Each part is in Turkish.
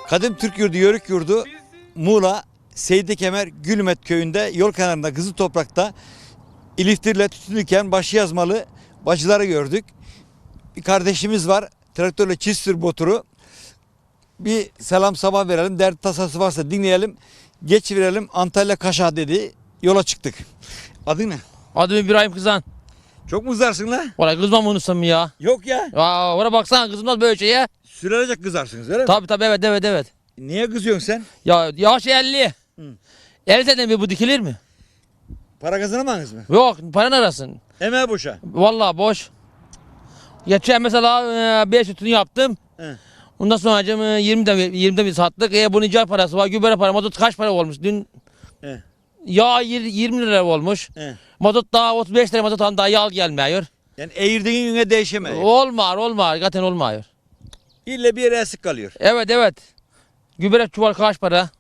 Kadim Türk Yurdu, Yörük Yurdu, Muğla, Seydi Kemer, Gülmet köyünde yol kenarında kızıl toprakta iliftirle tutunurken başı yazmalı bacıları gördük. Bir kardeşimiz var, traktörle çift sür boturu. Bir selam sabah verelim, dert tasası varsa dinleyelim, geçiverelim. Antalya Kaşa dedi, yola çıktık. Adın ne? Adım İbrahim Kızan. Çok mu kızarsın la? Valla kızmam unutsun ya. Yok ya. Aa, oraya baksana kızmaz böyle şeye. Sürelecek kızarsınız öyle mi? Tabi evet. Niye kızıyorsun sen? Ya yaş 50. Hı. 50 seneden bir bu dikilir mi? Para kazanamadınız mı? Yok paran arasın. Emeğe boşa. Valla boş. Geçen mesela 5 sütünü yaptım. He. Ondan sonra 20'de bir sattık. Bunun icar parası var, gübre para, mazot kaç para olmuş? Dün He. yağ 20 lira olmuş. He. Mazot daha 35 lira mazot daha yağ gelmiyor. Yani eğirdiğin güne değişemiyor. Olmuyor. Zaten olmuyor. İlle bir yere esik kalıyor. Evet. Gübre çuval kaç para?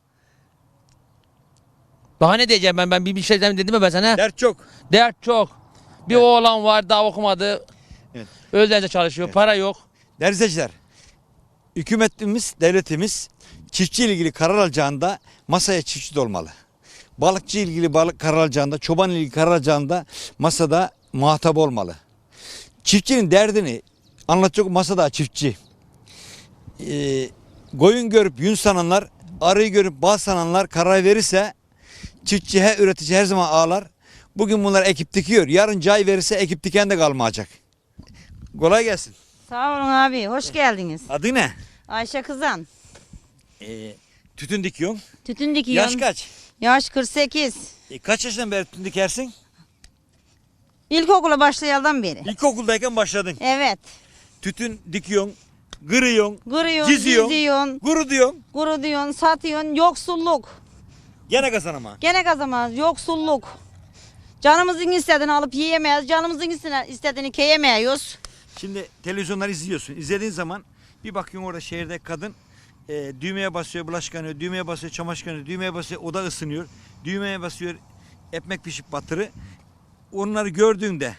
Daha ne diyeceğim ben bir şey dedim mi ben sana? Dert çok. Dert çok. Bir Evet. oğlan var daha okumadı. Evet. Öğlence çalışıyor. Evet. Para yok. Değerli izleyiciler, hükümetimiz, devletimiz çiftçi ile ilgili karar alacağında masaya çiftçi de olmalı. Balıkçı ile ilgili balık karar alacağında, çoban ile ilgili karar alacağında masada muhatap olmalı. Çiftçinin derdini anlatacak masada çiftçi. Koyun görüp yün sananlar, arıyı görüp bal sananlar karar verirse çiftçi üretici her zaman ağlar. Bugün bunlar ekip dikiyor. Yarın cay verirse ekip diken de kalmayacak. Kolay gelsin. Sağ olun abi, hoş geldiniz. Adı ne? Ayşe Kızan. Tütün dikiyorsun. Tütün dikiyorum. Yaş kaç? Yaş 48. Kaç yaşından beri tütün dikersin? İlkokula başlayandan beri. İlkokuldayken başladın. Evet. Tütün dikiyorsun, kırıyorsun, Kırıyorsun, Çiziyorsun. diziyorsun, kuru diyorsun. kuru diyorsun, satıyorsun. Yoksulluk. Gene kazanama. Gene kazanmaz, yoksulluk. Canımızın istediğini alıp yiyemeyiz. Canımızın istediğini keyemeyiz. Şimdi televizyonları izliyorsun. İzlediğin zaman bir bakıyorsun orada şehirde kadın düğmeye basıyor, bulaşık yıkanıyor, düğmeye basıyor, çamaşır yıkanıyor, düğmeye basıyor, oda ısınıyor, düğmeye basıyor, ekmek pişip batırı. Onları gördüğünde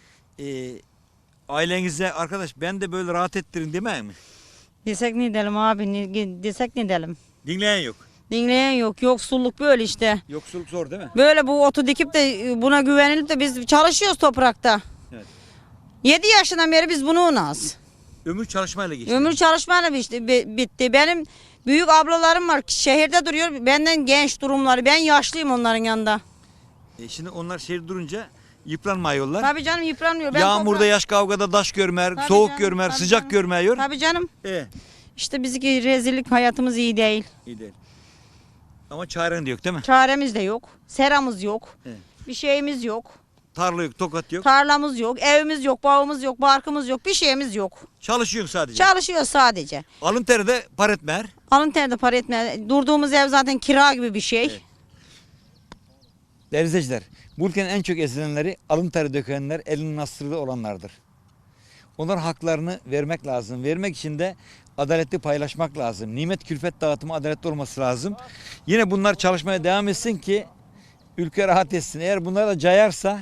ailenize arkadaş ben de böyle rahat ettirin demeye mi? Desek ne edelim abi, desek ne edelim. Dinleyen yok. Dinleyen yok, yoksulluk böyle işte. Yoksulluk zor değil mi? Böyle bu otu dikip de buna güvenilip de biz çalışıyoruz toprakta. Evet. 7 yaşından beri biz bunu unaz. Ömür çalışmayla geçti. Ömür çalışmayla bitti. Benim büyük ablalarım var şehirde duruyor. Benden genç durumları. Ben yaşlıyım onların yanında. Şimdi onlar şehir durunca yıpranmıyorlar. Tabii canım yıpranmıyor. Ben Yağmurda, yaş kavgada daş görmer, Tabii soğuk canım, görmer, tabii sıcak canım. görmüyor. Tabii canım. E, İşte bizimki rezillik, hayatımız iyi değil. iyi değil. Ama çaren de yok değil mi? Çaremiz de yok. Seramız yok. Evet. Bir şeyimiz yok. Tarla yok, tokat yok. Tarlamız yok. Evimiz yok. Bağımız yok. Barkımız yok. Bir şeyimiz yok. Çalışıyorsun sadece. Çalışıyoruz sadece. Alın teri de par etmer. Alın terde para etmez. Durduğumuz ev zaten kira gibi bir şey. Evet. Değerli izleyiciler, bu ülkenin en çok ezilenleri alın teri dökenler, elinin nasırlı olanlardır. Onların haklarını vermek lazım. Vermek için de adaletli paylaşmak lazım. Nimet külfet dağıtımı adaletli olması lazım. Yine bunlar çalışmaya devam etsin ki ülke rahat etsin. Eğer bunlar da cayarsa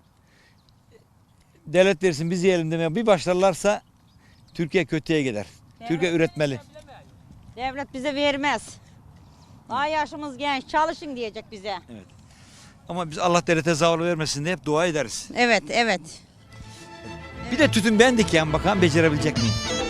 devlet versin biz yiyelim demeye bir başlarlarsa Türkiye kötüye gider. Türkiye üretmeli. Devlet bize vermez. Daha yaşımız genç. Çalışın diyecek bize. Ama biz Allah devlete zavallı vermesin diye hep dua ederiz. Evet, evet. Bir de tütün ben dikeyim bakalım becerebilecek miyim?